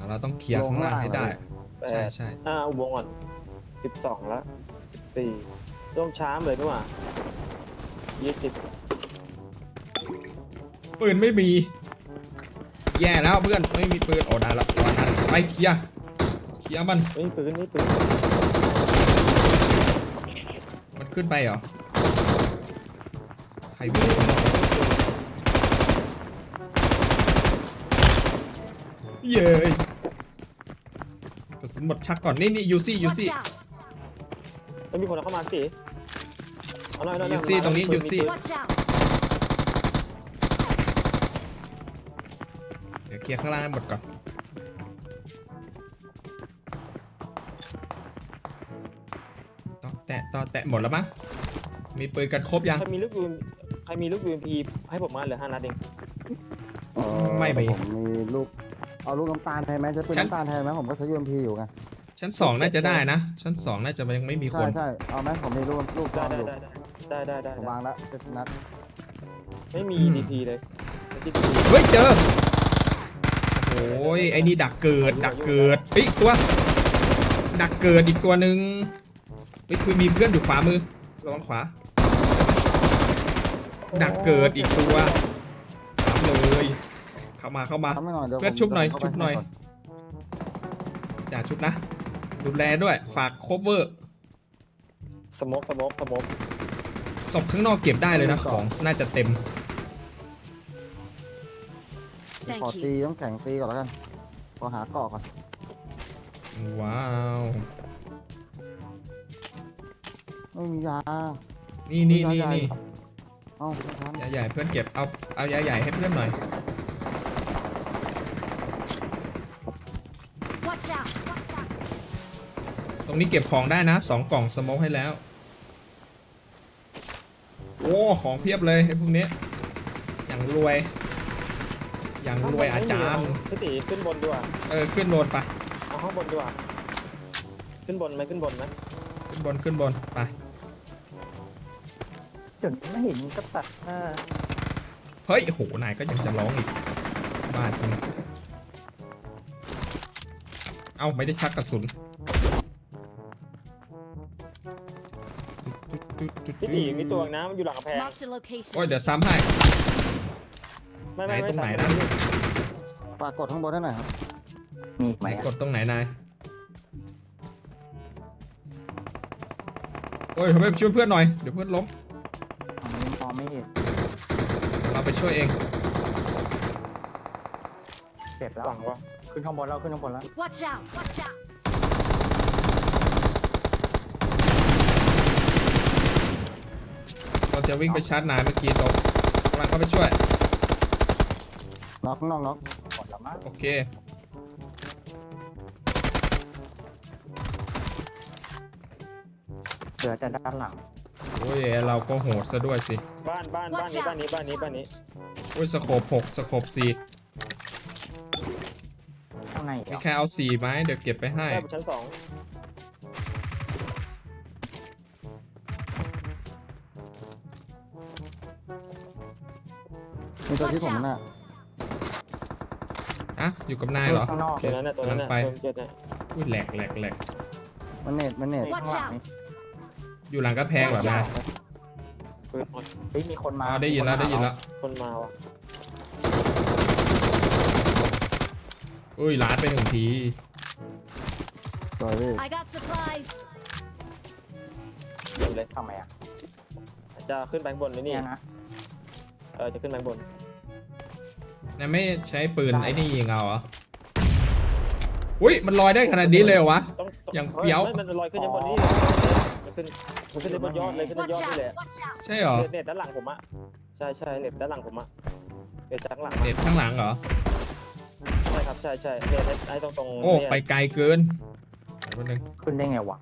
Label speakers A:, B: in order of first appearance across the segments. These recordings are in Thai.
A: เราต้องเคลียร์ข้างล่างให้ได้ใช่ใช่
B: อุโมงค์ก่อน12แล้ว14ต้องช้าเลยด้วยว่า20
A: ปืนไม่มีแย่แล้วเพื่อนไม่มีปืนโอ้ได้แล้ววันนั้นไปเคลียร์มัน
B: ไม่ปืน
A: มันขึ้นไปเหรอใครวิ่งเย้ยกระสุนหมดชักก่อนนี่ยูซี่
C: Watch out!
B: ไม่มีคนเข้ามาสิเอาหน่อย
A: ยูซี่ตรงนี้ยูซี่
C: Watch out!
A: เดี๋ยวเคลียร์ข้างล่างให้หมดก่อนต่อแตะหมดแล้วมั้งมีปืนกันครบยัง
B: ใครมีลูกUMP ให้ผมมาเหลือ5 นัดเอง
A: ไม่มี
D: ผมมีลูกเอาลูกน้ำตาลแทนไหมจะเป็นน้ำตาลแทนไหมผมก็ใช้ UMP อยู่ไง
A: ชั้น 2น่าจะได้นะชั้น 2น่าจะยังไม่มีค
D: ใช่
A: น
D: เอาไหมผมมีลูกตอนอยู่
B: ได้
D: ผมวางแล้วจะชนะ
B: ไม่มี DP เลย
A: เฮ้ยเจอโอ้ยไอ้นี่ดักเกิดเฮ้ยตัวดักเกิดอีกตัวหนึ่งเฮ้ยคือมีเพื่อนอยู่ขวามือระวังขวาดักเกิดอีกตัวถามเลยเข้ามา
D: ทำให้หน่อยเดี๋ยว
A: เพื่อนชุบหน่อยอย่าชุบนะดูแลด้วยฝากโคเวอร์
B: สโมก
A: ศพข้างนอกเก็บได้เลยนะของน่าจะเต็ม
D: ขอ
C: Thank
D: ตี
C: you.
D: ต้องแข็งตีก่อนแล้วกันขอหาเกาะก่อน
A: ว้าว
D: ไม่มียา
A: นี่
D: เอ้าไม่ทัน
A: ยาใหญ่เพื่อนเก็บเอายาใหญ่ให้เพื่อนหน่อย
C: Watch out!
A: ตรงนี้เก็บของได้นะ2 กล่องสโมกให้แล้วโอ้ของเพียบเลยไอ้พวกนี้อย่างรวยอาจารย์
B: พี่ตีขึ้นบนด้วย
A: ขึ้นบนไป
B: เอาข้างบนด้วยขึ้นบนไหม
A: ขึ้นบนไป
D: จนไม่เห็นก็ตัด
A: เฮ้ยโหนายก็ยังจะร้องอีกบ้าจริงเอ้าไม่ได้ชักกระสุน
B: พี่ตีมีตัวนะมันอยู่หลังกำแพง
C: Marked a location.
A: โอ้ยเดี๋ยวซ้ำให้
B: ไม่
A: ตรงไหนนะ
D: ปรากฏข้างบนได้หน่อยครับมีไหม
A: กดตรงไหนนายโอ้ยทำไมช่วยเพื่อนหน่อยเดี๋ยวเพื่อนล้ม
D: มองไม่เห็น
A: เราไปช่วยเอง
D: เจ็บแล้ว
B: หลังวะ
D: ขึ้นข้างบนแล้ว
C: Watch out! Watch out!
A: เราจะวิ่งไปชาร์จนายเมื่อกี้ตกกำลังเข้าไปช่วย
D: น็อกหมดแล้วมั้ง
A: โอเค
D: เหลือแต่ด้านหลัง
A: โอ้ยเราก็โหดซะด้วยสิ
B: บ้านนี้
A: โอ้ยสโคป6สโคป4
D: ข้างใน
A: มีใครเอา4ไหมเดี๋ยวเก็บไปให้
B: ได้บนชั้น 2
D: มีตัวที่ผมน่ะ
A: อะอยู่กับนายเหรอ
D: ข้างนอก
B: ตัวนั้นน่ะ
A: กำลังไป
B: เจ็ดน่ะ
A: อุ้ยแหลก
D: มันเน็ต
C: Watch out!
A: อยู่หลังกระแพงเหรอนาย
B: ปืนหมด
D: เฮ้ยมีคนมา
A: อ๋อได้ยินแล้ว
B: คนมาว่ะ
A: อุ้ยล้านไป1 ที
D: สวยพี่
C: I got supplies.
B: อยู่เลย
D: ทำไมอ่ะ
B: จะขึ้นแบงค์บนนี่
D: เนี่ยนะ
B: จะขึ้นแบงค์บน
A: นายไม่ใช้ปืนไอ้นี่ยิงเอาเหรออุ้ยมันลอยได้ขนาดนี้เลยเหรอวะ
B: ต้อง
A: อย่างเฟี้ยว
B: มันลอยขึ้นบนนี่มันขึ้นบนยอดเลยขึ้นบนยอ
C: Watch
B: ดนี่แหละ
C: out! Watch out!
A: ใช่เหรอ
B: เน็ตด้านหลังผมอะใช่เน็ตด้านหลังผมอะเน็ตจากหลัง
A: เด็ดข้างหลังเหรอ
B: ใช่ครับใช่เน็ตไอ้ตรง
A: โอ้ไปไกลเกินเดี๋ยวแป๊บนึง
D: ขึ้นได้ไงวะ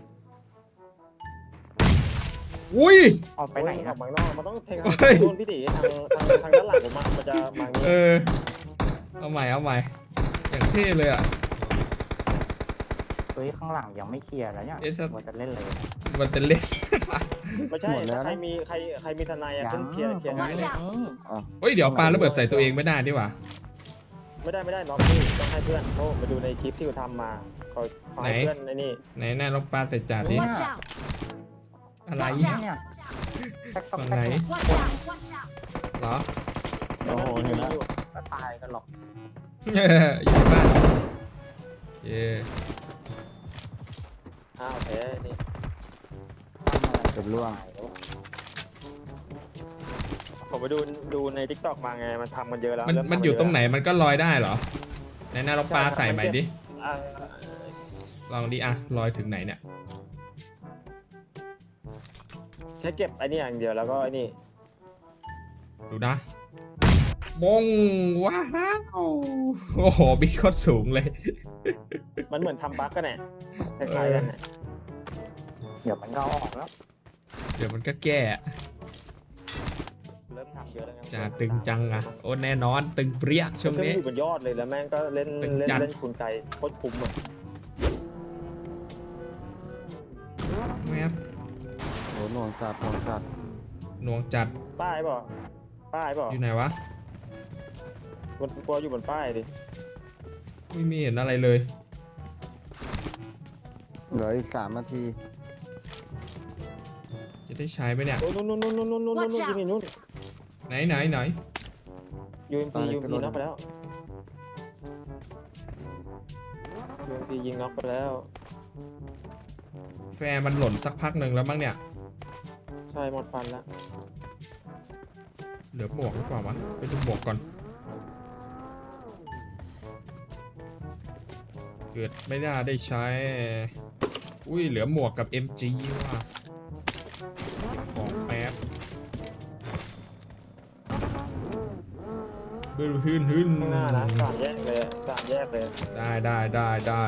A: อุ้ย
D: ออกไป
B: ไป
D: ไห
B: ไห
D: น
B: น
D: นะ
B: บางนอกมันต้องแทง
A: เฮ้ย
B: โดนพี่ตีทางด้านหลังผมมันจะมาอย่างนี้
A: เอาใหม่อย่างเท่เลยอ่ะ
D: เฮ้ยข้างหลังยังไม่เคลียร์แล้วเนี่ย
A: เอ๊ะถ้า
D: ว่าจะเล่นเลย
A: มันจะเล่น
B: ไม่ใช่
D: หมดแล้วนะ
B: ใครมีทนายอะขึ้นเคลียร์
C: Watch out
A: เฮ้ยเดี๋ยวปาระเบิดใส่ตัวเองไม่ได้ดีกว่า
B: ไม่ได้น็อกพี่ต้องให้เพื่อนเขาไปดูในคลิปที่เขาทำมาเขาให้เพื่อนไอ้นี่
A: ไหนหน้าลองปลาใส่จานดิ
C: Watch out!
A: อะไร
C: Watch
D: เนี่ย
C: out!
A: ฝั่งไหน
C: Watch out! Watch out!
A: เหรอ
B: เดี๋ยวมันยิงอยู่
D: ก็ตายกันหรอก
A: อยู่บ้านโอเค
B: อ้าวแพ้นี่
D: เป็นร่วง
B: ผมไปดูใน TikTok มาไงมันทำกันเยอะแล้ว
A: มัน
B: เริ่ทำ
A: มันอยู่ตรงไหนมันก็ลอยได้เหรอไหนหน้าลองปลาใส่ใหม่ดิ
B: อ่า
A: ลองดิอะลอยถึงไหนเนี่ย
B: แค่เก็บไอ้นี่อย่างเดียวแล้วก็ไอ้นี่
A: ดูนะมงว้าวโอ้โหบิดโคตรสูงเลย
B: มันเหมือนทำบั๊กกันแหละคล้ายๆกันน่ะ
D: เดี๋ยวมันก็ออกแล้ว
A: เดี๋ยวมันก็แก้
B: เริ่มทำเยอะแล้วไง
A: จะตึงจังอะโอ้แน่นอนตึงเปรี้ยช่วง
B: เครื่อง
A: นี้
B: อยู่บนยอดเลยแล้วแม่งก็เล่น
A: ตึง
B: เล่น
A: จัด
B: เล่นคุณไกโคตรคุ้มอ่ะ
A: แมบ
D: โหหน่วงจัดหน่วงจัด
A: หน่วงจัด
B: ป้ายเปล่าป้ายเปล่า
A: อยู่ไหนวะ
B: บนกลัวอยู่บนป้ายดิ
A: ไม่มีเห็นอะไรเลย
D: เหลืออีก3 นาที
A: จะได้ใช้ไหมเนี่ย
B: โอ้ยนู่นยิงนู่น
A: ไหน
B: UMP น็อกไปแล้ว UMP ยิงน็อกไปแล้ว
A: แฟร์มันหล่นสักพักหนึ่งแล้วมั้งเนี่ย
B: ใช่หมดฟันแล้ว
A: เหลือหมวกหรือเปล่าวะไปดูหมวกก่อนเกิดไม่น่าได้ใช้ อุ้ยเหลือหมวกกับ MG ว่ะเก็บของแป๊บบึ้นหึ่น
B: ข้างหน้านะ3 แยกเลย3 แยกเลย
A: ได้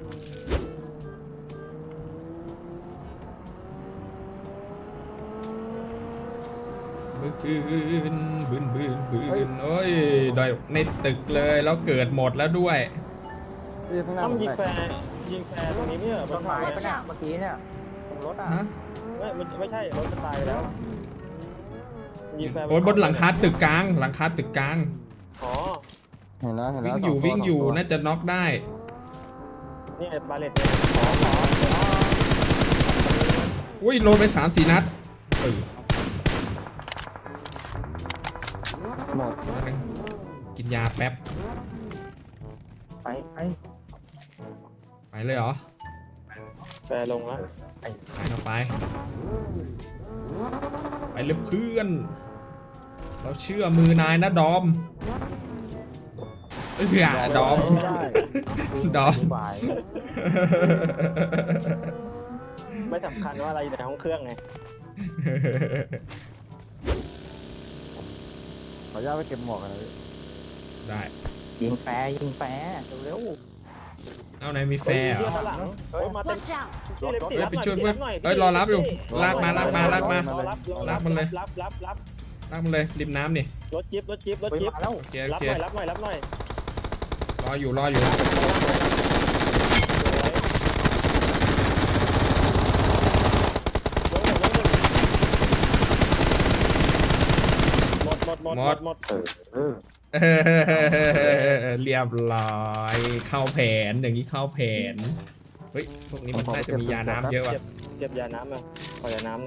A: บึ้นโอ้ยได้ในตึกเลยแล้วเกิดหมดแล้วด้วย
D: ที่ข้างหน้า
B: ต้อง
D: ผม
B: ยิง
D: แตก
B: แฟร์ตรงนี้เนี่ยบ
D: ต้
B: น
D: น
B: เขา
D: ไม้
B: เนี่ย
D: ปะเนี่ยเมื่อกี้เนี่ยตรงรถอ่ะ
A: ฮะ
B: ไม่ใช่รถจะตายไปแล้วยิงแฟร์
A: โอ้ยบนหลังคาตึกกลาง
B: อ๋อ
D: เห็นแล้ว
A: วิ่งอยู่
D: สตัว
A: น่าจะน็อกได้
B: นี่บาเลตเนี่ยขอ
A: อุ้ยโดนไป3-4 นัดเออ
D: หมด
A: นัดนึงกินยาแป๊บ
D: ไป
A: ไปเลยเหรอ
B: แฟร์ลงแล้ว
A: ไปเราไปเลยเพื่อน เราเชื่อมือนายนะดอมดอม
D: ไม่ได้
A: ดอม
D: บาย
B: ไม่สำคัญว่าอะไรอยู่ในห้องเครื่องไง
D: ขออนุญาตไปเก็บหมวกกันเลย
A: ได้
D: ยิงแฟร์เร็ว
A: เอาไหนมีแฟร์เหรอ
B: ข้างหลังมาเต็ม
C: Watch out!
B: พี่เล็บตี
A: ไปช่วย
B: รับหน่
A: เพื่อน
B: ตีรับหน่
A: เอ้ยรอรับอยู่ลากมา
B: รอรับ
A: ลากมันเลย
B: รับ
A: ลากมันเลยริมน้ำนี่
B: รถจิ๊บ
D: ๆมาแล้ว
A: โอเค
B: รับหน่อย
A: รออยู่
B: หมด
A: เรียบร้อยเข้าแผนอย่างนี้เข้าแผนเฮ้ยพวกนี้มันน่าจะมียาน้ำเยอะว่ะ
B: เก็บยาน้ำนะขอยาน้ำนะ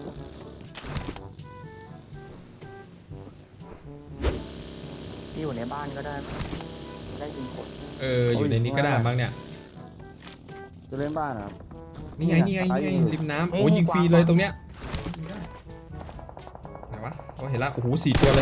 D: ที่อยู่ในบ้านก็ได้ยิงกด
A: อยู่ในนี้ก็ได้บ้างเนี่ย
D: จะเล่นบ้านเหรอ
A: นี่ไงริมน้ำโอ้ยิงฟรีเลยตรงเนี้ยไหนวะโอ้เห็นละโอ้โห4 ตัวเลย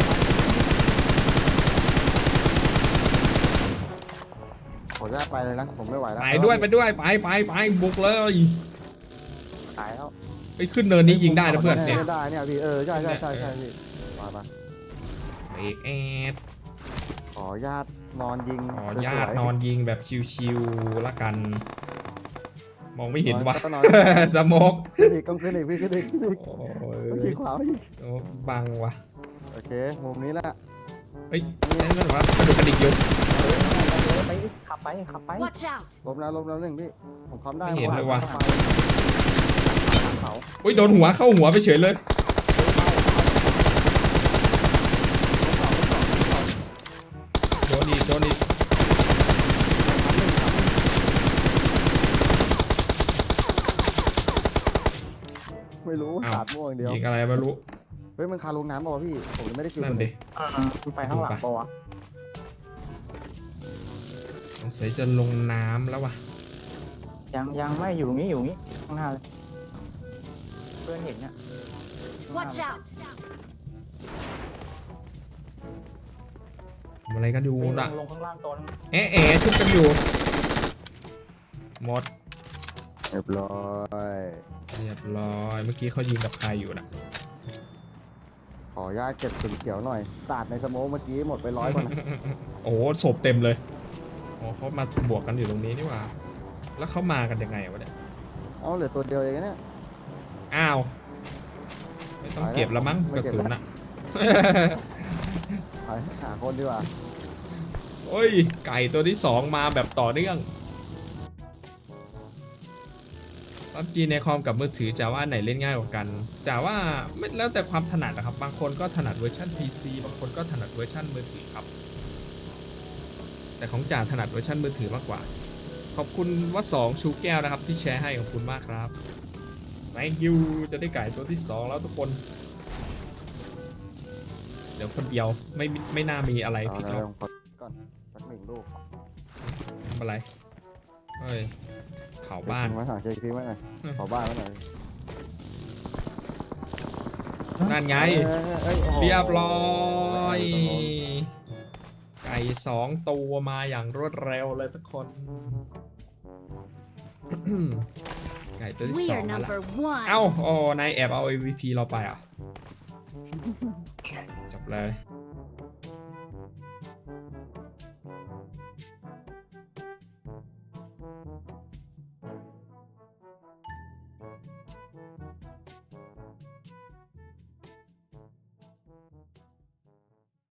D: ขออนุญาตไปเลยนะผมไม่ไหวแล้ว
A: ไปด้วยไปบุกเลย
D: ตายแล้ว
A: ไปขึ้นเนินนี้ยิงได้นะเพื่อนเนี่ย
D: ได้เนี่ยพี่ใช่พี่มา
A: เอกแอด
D: ขออนุญาตนอนยิง
A: ขออนุญาตนอนยิงแบบชิวๆละกัน มองไม่เห็นวะ สโมก
D: ขึ้นอีกต้องขึ้นอีกพี่ขึ้นอีก
A: โอ้
D: ต้อง
A: ย
D: ขี่ขวาอีก
A: บังวะ
D: โอเคมุมนี้แหละ
A: เฮ้ยนั่นวะกระดูกกระดิกอยู่
D: ไปขับไป
C: Watch out!
D: ล้มแล้วหนึ่งพี่ผมคำได้
A: ไม่เห็นเลยว่ะ
D: เขา
A: อุ้ยโดนหัวเข้าหัวไปเฉยเลยโดนอีกอ้าว
D: ขาดม่วงอย่างเดียว
A: ยิงอะไรไม่รู้
D: เฮ้ยมันคาลงน้ำเปล่าวะพี่ผมยังไม่ได้กิน
A: นั่นดิ
B: มันไปข้างหลังปะวะ
A: สงสัยจะลงน้ำแล้ววะ
B: ยังไม่อยู่นี้ข้างหน้าเลยเพื่อนเห็นเนี่ย
C: Watch out!
A: ทำอะไรกันอยู่น่ะ
B: ลงข้างล่างตัวนึง
A: เอ๊ะชุบกันอยู่หมด
D: เรียบร้อย
A: เรียบร้อยเมื่อกี้เขายิงกับใครอยู่น่ะ
D: ขออนุญาตเก็บสุนเขียวหน่อยสาดในสโมกเมื่อกี้หมดไป100กว่านะ
A: โอ้โหศพเต็มเลยอ๋อเขามาบวกกันอยู่ตรงนี้นี่หว่า แล้วเขามากันยังไงวะเนี่ย
D: เอาเหลือตัวเดียวเองนะเนี่ย
A: อ้าวไม่ต้องเก็บแล้วมั้ง
D: ไม่
A: กระ
D: เก็บ
A: สุน
D: แล้ว
A: อ่ะ
D: ไปหาคนดีกว่า
A: โอ้ยไก่ตัวที่ 2 มาแบบต่อเนื่องPUBG ในคอมกับมือถือจะว่าไหนเล่นง่ายกว่ากันจะว่าไม่แล้วแต่ความถนัดนะครับบางคนก็ถนัดเวอร์ชัน PC บางคนก็ถนัดเวอร์ชันมือถือครับ แต่ของจ่าถนัดเวอร์ชันมือถือมากกว่า ขอบคุณวัด2ชูแก้วนะครับที่แชร์ให้ขอบคุณมากครับ thank you จะได้ไก่ตัวที่ 2 แล้วทุกคน เดี๋ยวคนเดียวไม่น่ามีอะไร
D: เอา
A: พี่
D: แล้
A: ก๊อ
D: ว
A: ฟ
D: ก่อนสัก1 ลูก
A: ทำอะไรเฮ้ยเผาบ้าน
D: มาสั่งเช็คทีไว้หน่อยขอบ้านไว้หน่อย
A: นั่นไง
D: อ้โอ้โห
A: เรียบร้อย ไก่2 ตัวมาอย่างรวดเร็วเลยทุกคน ไก่ตัวที่
C: We
A: 2
C: are
A: มาละ
C: number one.
A: เอ้าโอ้นายแอบเอา MVP เราไปอ่ะ จบเลย